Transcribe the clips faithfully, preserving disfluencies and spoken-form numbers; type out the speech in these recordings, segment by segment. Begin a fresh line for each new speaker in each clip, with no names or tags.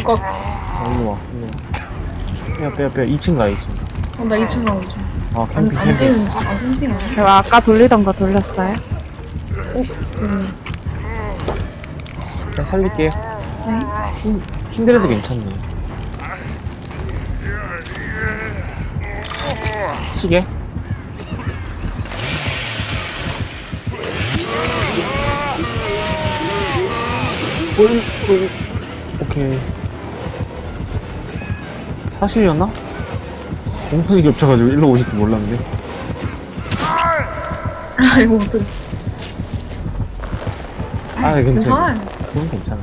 것.
어, 일로 와, 일로 와. 빼야, 빼야, 빼야. 이 층 가, 이 층.
어, 나 이 층 가고 있어.
아,
안,
캠핑,
안
캠핑.
뛰는 중. 아, 캠핑 아니야?
제가 아까 돌리던 거 돌렸어요.
음.
자, 살릴게.
네.
힘, 힘들어도 괜찮네. 시계? 올, 올. 오케이. 사실이었나? 공판이 겹쳐가지고 일로 오실 줄 몰랐는데.
아, 이거 어떡해.
아, 괜찮아.
괜찮아요.
그건 괜찮아.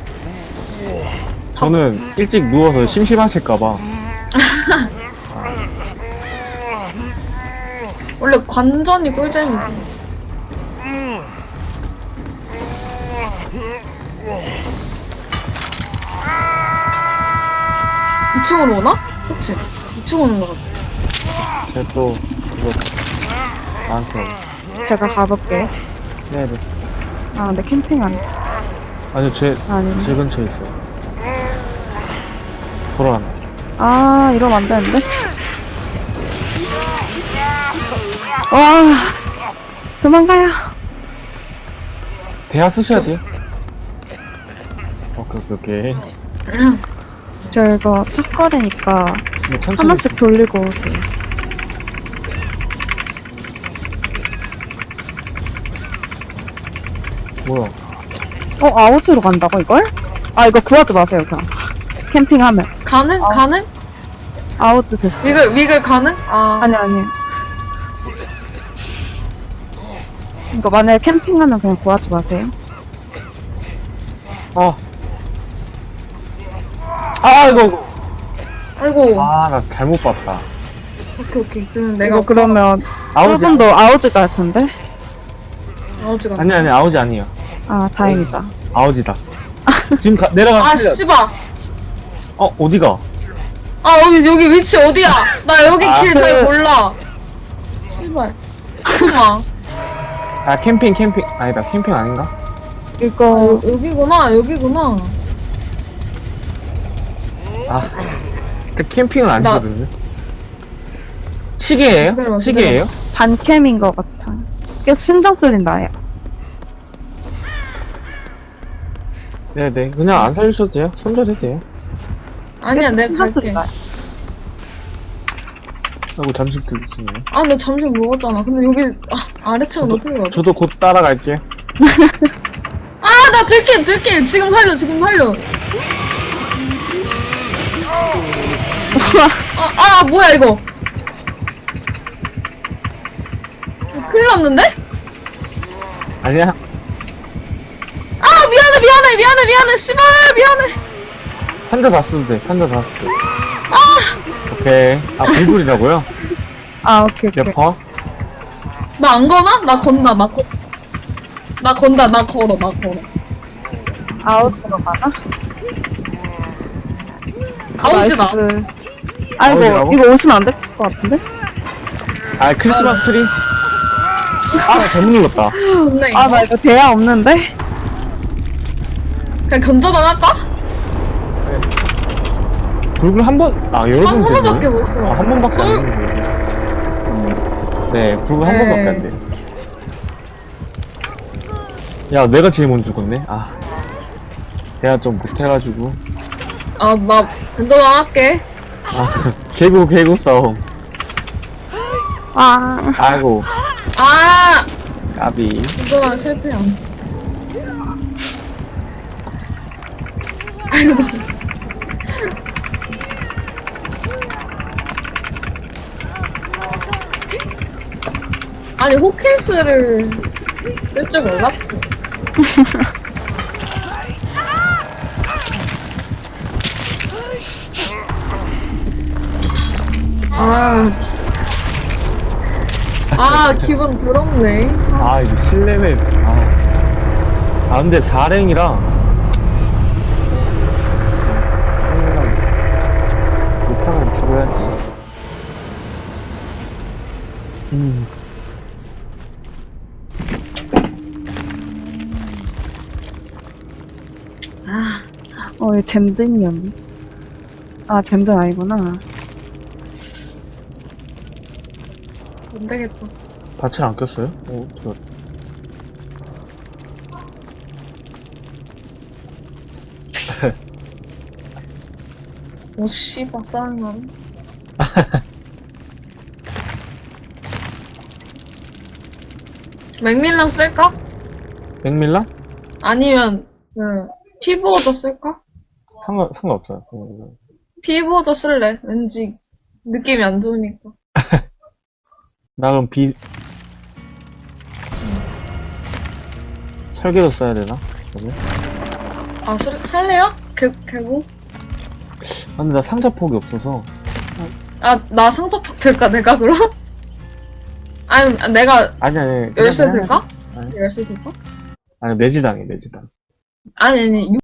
저는 일찍 누워서 심심하실까봐.
원래 관전이 꿀잼이지. 이 층으로 오나? 그치? 이 층 오는 것 같아.
제가 또, 이거, 나한테. 오고.
제가 가볼게요.
네네.
아, 근데 캠핑 안 돼.
아니요, 제,
아닌데.
제 근처에 있어요. 돌아간다.
아, 이러면 안 되는데? 와, 도망가요.
대화 쓰셔야 돼요. 오케이, 오케이, 오케이.
저 이거 첫 거리니까
뭐 천천히.
하나씩 돌리고 오세요.
뭐야.
어, 아웃으로 간다고, 이걸? 아, 이거 구하지 마세요, 그냥. 캠핑하면.
가능?
아.
가능?
아웃 됐어.
위글, 위글 가능? 아.
아니, 아니. 이거 만약에 캠핑하면 그냥 구하지 마세요.
아. 아, 이거.
아이고.
아, 나 잘못 봤다.
오케이, 오케이. 그럼 내가
이거 그러면
아우지.
저분도 아웃이 갈 텐데?
아우지가.
아니, 아니, 아우지 아니에요.
아, 다행이다.
아우지다. 지금 가, 내려가.
아, 씨발.
어, 어디가?
아, 여기, 여기 위치 어디야? 나 여기
아,
길 잘
그-
몰라. 씨발. 잠깐만.
아, 캠핑, 캠핑. 아니다, 캠핑 아닌가?
이거,
어, 여기구나, 여기구나.
아. 저 캠핑은
나-
아니거든요. 시계예요?
기다려봐,
시계예요?
반캠인 것 같아. 계속 심장 소리 나요.
네네. 그냥 안 살려주셔도 돼요. 손절해도 돼요.
아니야, 내가
심장 소리
갈게.
나요.
아이고, 잠시 드시네요.
아, 나 점심 먹었잖아. 근데 여기, 아, 아래층은
저도-
어떻게 가지?
저도 곧 따라갈게요.
아, 나 들킬, 들킬. 지금 살려, 지금 살려. 아, 아, 뭐야, 이거. 큰일 났는데?
아니야.
아, 미안해, 미안해, 미안해, 미안해. 씨발, 미안해.
환자 다 쓰도 돼. 환자 다 쓰도 돼.
아,
오케이. 아, 불불이라고요?
아, 오케이, 오케이.
몇 퍼?
나 안 거나? 나 건다, 나 거. 나 건다, 나 걸어, 나 걸어.
아웃으로 가나?
아우지다.
나이스. 아이고,
아웃이라고?
이거 오시면 안 될 것 같은데?
아, 크리스마스 트리? 아, 나 잘못 눌렀다.
좋네, 이거.
아, 나 이거 대야 없는데?
그냥 견자만 할까?
불굴 한 번, 아, 여러
한,
번
한 번밖에
되네.
못 써.
아, 한 번밖에 안
쏠-
되는데. 네, 불굴 한
네.
번밖에 안 돼. 야, 내가 제일 먼저 죽었네. 아. 내가 좀 못해가지고.
아, 나 견자만 할게.
아, 개구, 개구 싸움.
아,
아이고,
아,
까비.
견자만 실패야. 아이고, 나. 아니, 호케이스를 쓸 줄 몰랐지. 아, 아, 기분 더럽네.
아, 이게 실내맵. 아. 아, 근데 사랭이라. 못하면 죽어야지. 음.
아,
어, 어, 얘 잼든이었네. 아, 잼든 아니구나.
안 되겠다.
밭을 안 꼈어요? 오, 저,
오, 씨발, 짜증나네. 맥밀런 쓸까?
백밀라?
아니면, 그, 피부오더 쓸까?
상관, 상관없어요. 어,
피부오더 쓸래. 왠지, 느낌이 안 좋으니까.
나 그럼 비, 설계도 써야 되나? 그러면?
아, 쓸, 할래요? 개, 개고?
아, 근데 나 상자폭이 없어서.
아, 나 상처폭 될까, 내가 그럼? 아니, 내가
아니, 아니. 그냥
열쇠
그냥
될까?
아니.
열쇠 될까?
아니, 매지당해, 매지당.
아니, 아니,